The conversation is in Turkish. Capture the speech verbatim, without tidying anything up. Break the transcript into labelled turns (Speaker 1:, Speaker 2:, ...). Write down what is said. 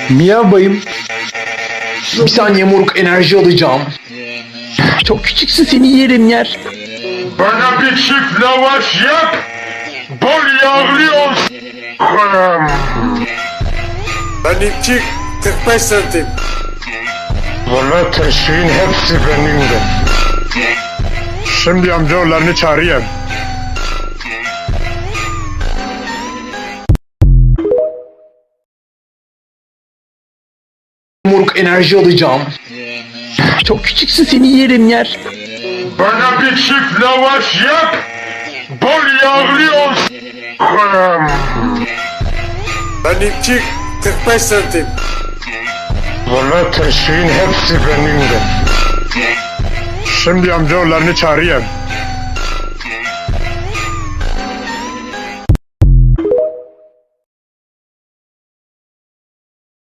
Speaker 1: Miyav bayım. Bir saniye moruk, enerji alacağım. Çok küçüksün, seni yerim yer.
Speaker 2: Bana bir çift lavaş yap. Bol yağlı olsun.
Speaker 3: Benimki kırk beş santim.
Speaker 2: Valla teşviğin hepsi benimdir. Şimdi amcaoğullarını çağırayım.
Speaker 1: Moruk, enerji alacağım. Çok küçüksün, seni yerim yer.
Speaker 2: Bana bir çift lavaş yap. Bol yağlı olsun.
Speaker 3: Benimki kırk beş santim.
Speaker 2: Valla teşviğin hepsi benimdir. Şimdi amcaoğullarını çağırayım.